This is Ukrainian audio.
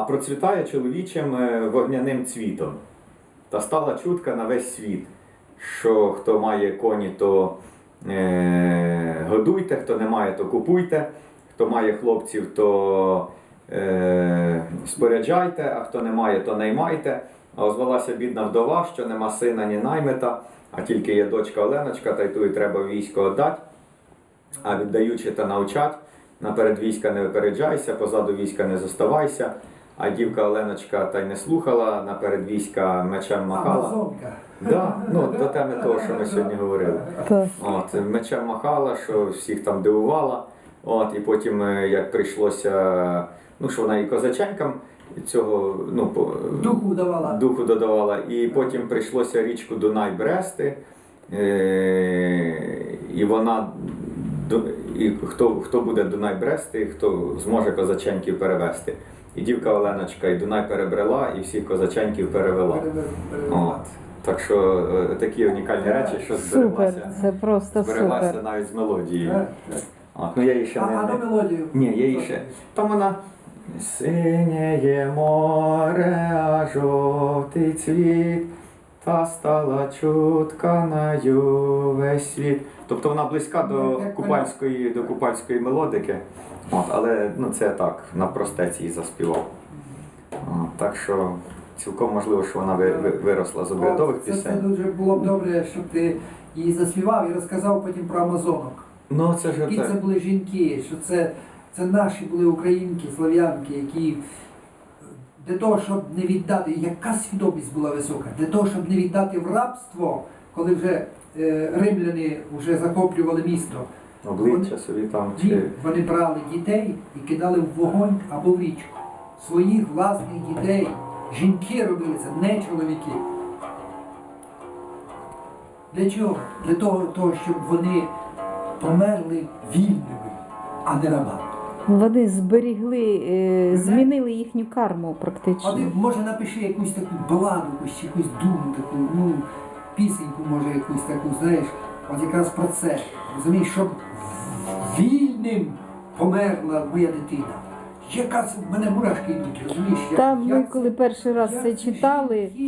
процвітає чоловічим вогняним цвітом. Та стала чутка на весь світ, що хто має коні, то годуйте, хто не має, то купуйте, хто має хлопців, то споряджайте, а хто не має, то наймайте. А озвалася бідна вдова, що нема сина, ні наймита, а тільки є дочка Оленочка, та й ту і треба військо віддати. А віддаючи та навчать, наперед війська не випереджайся, позаду війська не зоставайся. А дівка Оленочка та й не слухала, наперед війська мечем махала. Амазонка. Да, ну, до теми того, що ми сьогодні говорили. От, мечем махала, що всіх там дивувала. От, і потім, як прийшлося, ну, що вона і козаченькам цього, ну, духу додавала. І потім прийшлося річку Дунай брести. І вона, і хто буде Дунай брести, хто зможе козаченьків перевести. І дівка Оленочка і Дунай перебрела, і всіх козаченьків перевела. От. Так що такі унікальні речі, що збереглася. Супер, це просто збереглася супер. навіть з мелодією. От. Ну, я її ще А до мелодію? Ні, я її ще. Там вона синє море, а жовтий цвіт, та стала чутка на весь світ. Тобто вона близька до купальської мелодики. От, але ну, це так, на простеці її заспівав. От, так що цілком можливо, що вона виросла з обрядових пісень. Це дуже було б добре, щоб ти її заспівав і розказав потім про амазонок. Ну, це ж Які так. це були жінки, що це наші були українки, слов'янки, які для того, щоб не віддати, яка свідомість була висока, для того, щоб не віддати в рабство, коли вже римляни вже захоплювали місто. Обличчя собі там Ні, чи... вони брали дітей і кидали в вогонь або в річку. Своїх власних дітей. Жінки робили це, не чоловіки. Для чого? Для того, щоб вони померли вільними, а не рабами. Вони зберігли, змінили їхню карму практично. А ти, може, напиши якусь таку баладу, якусь думу таку, ну, пісеньку, може, якусь таку, знаєш, от якраз про це. Розумієш, щоб вільним померла моя дитина. Яка в мене мурашки йдуть, розумієш? Там ми коли перший раз це читали,